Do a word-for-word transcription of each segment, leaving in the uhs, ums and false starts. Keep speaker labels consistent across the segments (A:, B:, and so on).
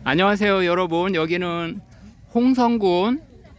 A: 안녕하세요 여러분. 여기는 홍성군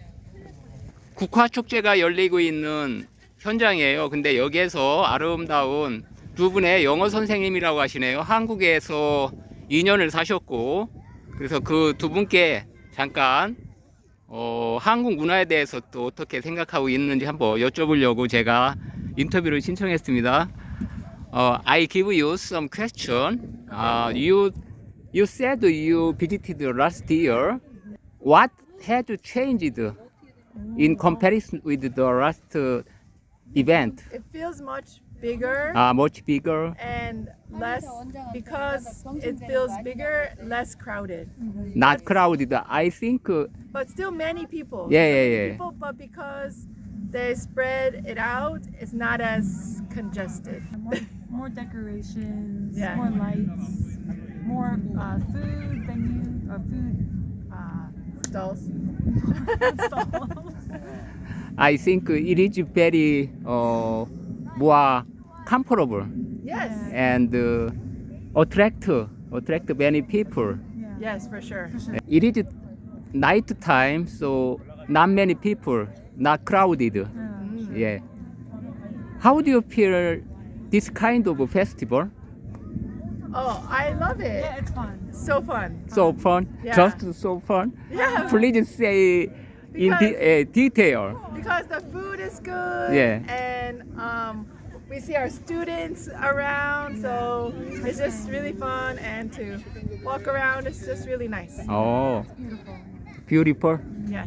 A: 국화축제가 열리고 있는 현장이에요. 근데 여기에서 아름다운 두 분의 영어 선생님이라고 하시네요. 한국에서 이 년을 사셨고, 그래서 그 두 분께 잠깐 어, 한국 문화에 대해서 또 어떻게 생각하고 있는지 한번 여쭤보려고 제가 인터뷰를 신청했습니다. 어, I give you some question. Uh, you you said you visited last year. What has changed in comparison with the last uh, event?
B: It feels much bigger
A: Uh, much bigger,
B: and less because it feels bigger, less crowded.
A: not crowded. I think. Uh,
B: But still many people.
A: Yeah,
B: Still
A: yeah,
B: many
A: yeah.
B: People, but because they spread it out, it's not as congested.
C: More, more decorations,
B: Yeah.
C: more lights, more uh, food venue or food uh,
B: Stalls.
C: stalls.
A: I think it is very uh, more comfortable
B: Yes.
A: and uh, attract attract many people.
C: Yeah.
B: Yes, for sure.
A: It is night time, so not many people, not crowded.
C: Yeah.
B: Mm.
A: Yeah. How do you feel this kind of festival?
B: Oh, I love it.
C: Yeah, it's fun.
B: So fun.
A: So fun,
B: Yeah.
A: just so fun.
B: Yeah.
A: Please say in de- uh, detail.
B: Because the food is good.
A: Yeah.
B: And um, we see our students around, so it's just really fun. And to walk around, it's just really nice.
A: Oh,
C: Beautiful.
A: beautiful.
B: Yeah.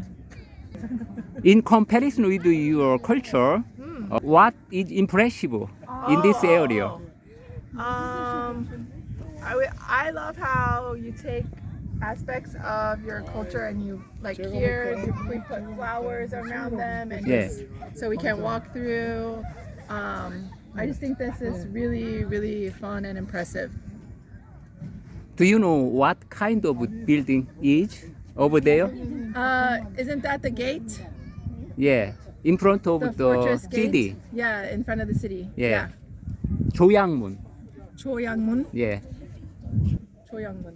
A: In comparison with your culture,
B: Mm.
A: uh, what is impressive in this
B: Oh,
A: area?
B: oh. Um, I, wi- I love how you take aspects of your culture and you like here you, we put flowers around them and
A: Yeah.
B: just, so we can walk through. Um, I just think this is really really fun and impressive.
A: Do you know what kind of building is over there?
B: Uh, isn't that the gate?
A: Yeah, in front of
B: The
A: the,
B: fortress gate?
A: city.
B: Yeah, in front of the city.
A: Yeah. 조양문.
B: Choyangmun.
A: Yeah.
B: Choyangmun.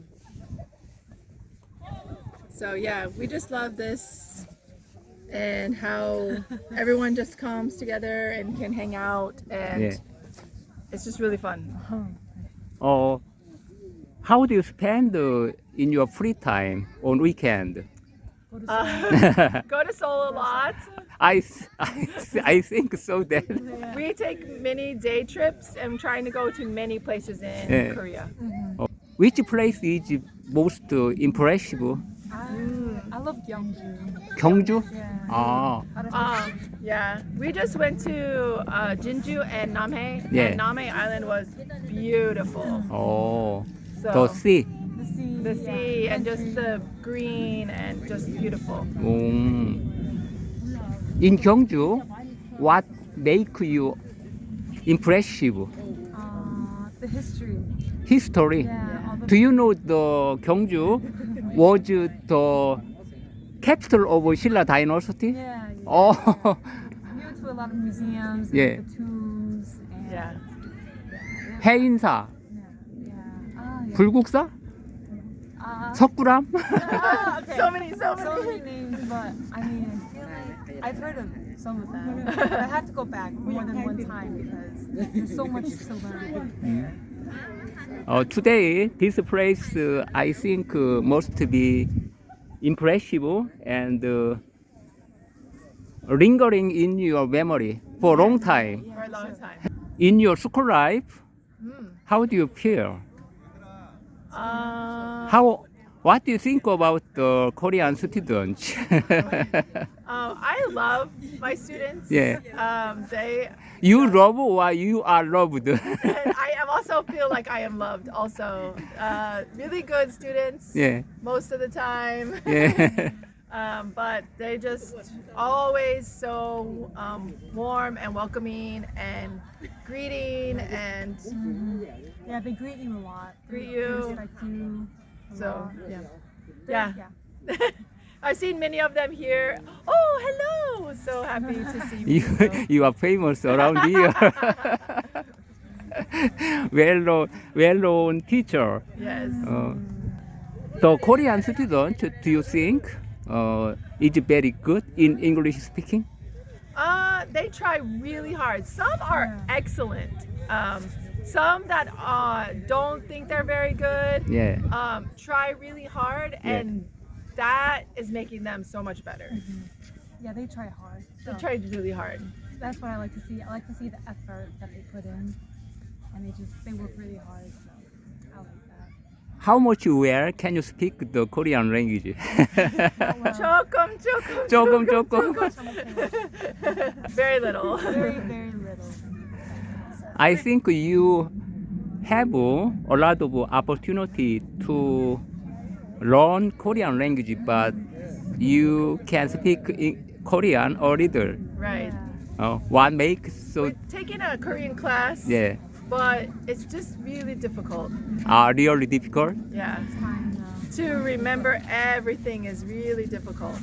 B: So yeah, we just love this and how everyone just comes together and can hang out and
A: Yeah.
B: it's just really fun.
A: Uh, how do you spend uh, in your free time on weekend?
B: Uh, go to Seoul a lot.
A: I, s- I, s- I think so that.
B: We take many day trips and trying to go to many places in
A: Yeah.
B: Korea.
A: Which place is most uh, impressive?
C: I, I love Gyeongju.
A: 경주?
C: Yeah.
A: 아,
B: Um, yeah, we just went to uh, Jinju and Namhae.
A: Yeah.
B: And Namhae Island was beautiful.
A: 어,
B: So
A: the sea.
C: The sea.
B: the
C: yeah.
B: sea and just
C: Country.
B: the green and just beautiful.
A: 음. In Gyeongju, what make you impressive?
C: Uh, the history.
A: History.
C: Yeah. All the
A: Do you know the Gyeongju was the capital of Silla Dynasty?
C: Yeah. yeah.
A: Oh,
C: We went to a lot of museums. And
A: Yeah.
C: The tombs. And,
B: Yeah.
A: 해인사,
C: Yeah. Yeah. Ah, yeah.
A: 불국사,
C: Uh,
A: 석굴암.
C: ah, okay.
B: So many, so
C: So
B: many.
C: many names, but I mean, I feel like I've heard of some of them. But I have to go back more than one time because there's so much to learn.
A: Uh, today, this place uh, I think uh, must be impressive and uh, lingering in your memory for a long time.
B: For a long time.
A: In your school life,
B: Mm.
A: how do you feel?
B: Uh,
A: How? What do you think about the Korean students?
B: um, I love my students.
A: Yeah.
B: Um, they.
A: You love or you are loved?
B: And I am also feel like I am loved. Also, uh, really good students.
A: yeah,
B: Most of the time.
A: yeah.
B: Um, but they just always so um, warm and welcoming and greeting and
C: Yeah, they greet you a lot.
B: Greet
C: They
B: you.
C: respect you. a
B: so
C: lot.
B: yeah.
C: They're-
B: Yeah. I've seen many of them here. Oh, hello! So happy to see
A: you,
B: you. So.
A: you are famous around here. well known, well known teacher.
B: Yes.
A: Uh, The Korean student, do you think uh, is very good in English speaking?
B: Uh, they try really hard. Some are
C: Yeah.
B: excellent. Um, some that uh, don't think they're very good
A: Yeah.
B: um, try really hard,
A: Yeah.
B: and that is making them so much better.
C: Yeah, they try hard.
B: They
C: So
B: try really hard.
C: that's what I like to see. I like to see the effort that they put in, and they just they work really hard. So I like that.
A: How much well can you speak the Korean language?
C: Well,
B: 조금, 조금,
A: 조금, 조금.
B: Very little.
C: very very little.
A: I think you have a lot of opportunity to learn Korean language, but you can speak in Korean a little.
B: Right.
A: Uh, what makes so
B: We're taking a Korean class,
A: yeah
B: but it's just really difficult.
A: are really difficult?
B: Yeah.
C: It's fine though.
B: To remember everything is really difficult.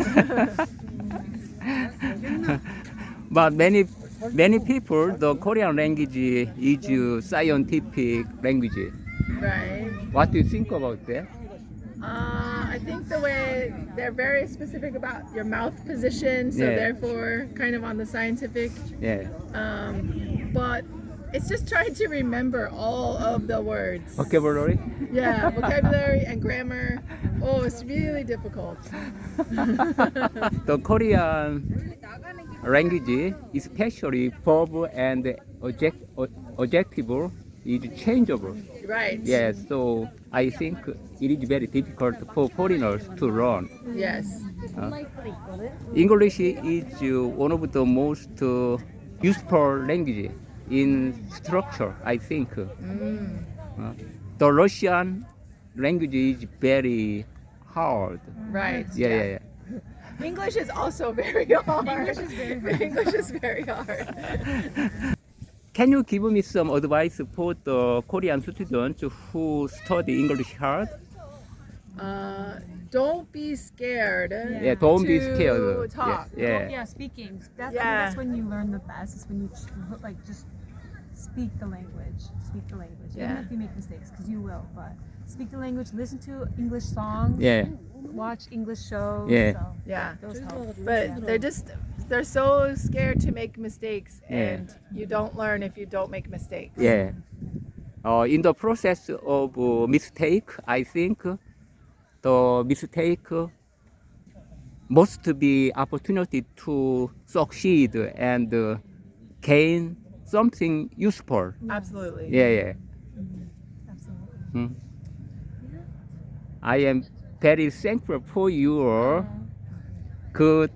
A: But many many people the Korean language is a scientific language.
B: Right.
A: What do you think about that?
B: Uh, I think the way they're very specific about your mouth position, so
A: Yeah.
B: therefore kind of on the scientific.
A: Yeah.
B: Um, but it's just trying to remember all of the words.
A: Vocabulary?
B: Yeah, vocabulary and grammar. Oh, it's really difficult.
A: The Korean language, especially verb and object, adjective, is changeable.
B: Right.
A: Yes, so I think it is very difficult for foreigners to learn.
B: Yes.
A: English is uh, one of the most uh, useful language in structure, I think.
B: Mm.
A: Uh, the Russian language is very hard.
B: Right.
A: Yeah, yeah, yeah.
B: English is also very hard.
C: English is very hard.
B: English is very hard.
A: Can you give me some advice for the Korean students who study English hard?
B: Uh, don't be scared.
A: Yeah, don't be
B: to
A: scared.
B: talk.
A: Yeah, yeah.
C: Yeah, speaking. That's, I
B: Yeah.
C: think that's when you learn the best. Is when you ch- like just speak the language. Speak the language.
B: Yeah.
C: Even if you make mistakes, because you will. But speak the language. Listen to English songs.
A: Yeah.
C: Watch English shows.
A: Yeah.
C: So
B: Yeah.
C: those help.
B: But
C: Yeah.
B: they're just they're so scared to make mistakes,
A: Yeah.
B: and you don't learn if you don't make mistakes.
A: Yeah. Uh, in the process of uh, mistake, I think the mistake must be opportunity to succeed and uh, gain something useful.
B: Absolutely.
A: Yeah, yeah.
C: Absolutely.
A: Hmm. I am very thankful for your good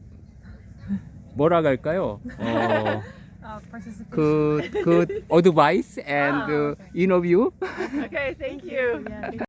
A: 뭐라 할까요? 어,
C: Uh, participation.
A: good good advice and uh, interview.
B: Okay. Thank you.
C: Yeah.